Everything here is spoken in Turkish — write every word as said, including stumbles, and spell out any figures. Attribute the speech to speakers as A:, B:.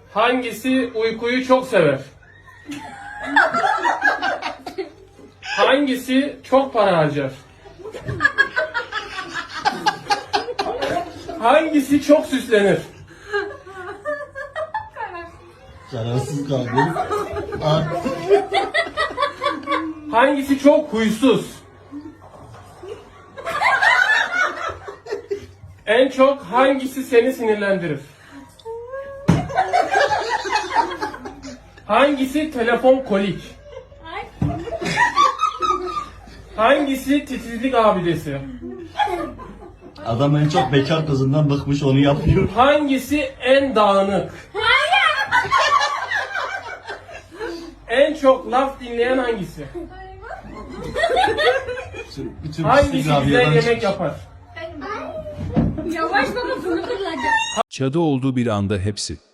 A: Hangisi uykuyu çok sever? Hangisi çok para harcar? Hangisi çok süslenir?
B: Kararsız kaldım. Aa,
A: Hangisi çok huysuz? En çok hangisi seni sinirlendirir? Hangisi telefon kolik? Hangisi titizlik abidesi?
B: adam en çok bekar kızından bıkmış, onu yapıyor.
A: Hangisi en dağınık? En çok laf dinleyen hangisi?
B: Bütün
A: Hangisi
B: pislik
A: güzel
B: Rabia'dan
A: yemek
B: çıkmış.
A: yapar?
C: Yavaş baba, bunu fırlatacak.
D: Çadı olduğu bir anda hepsi.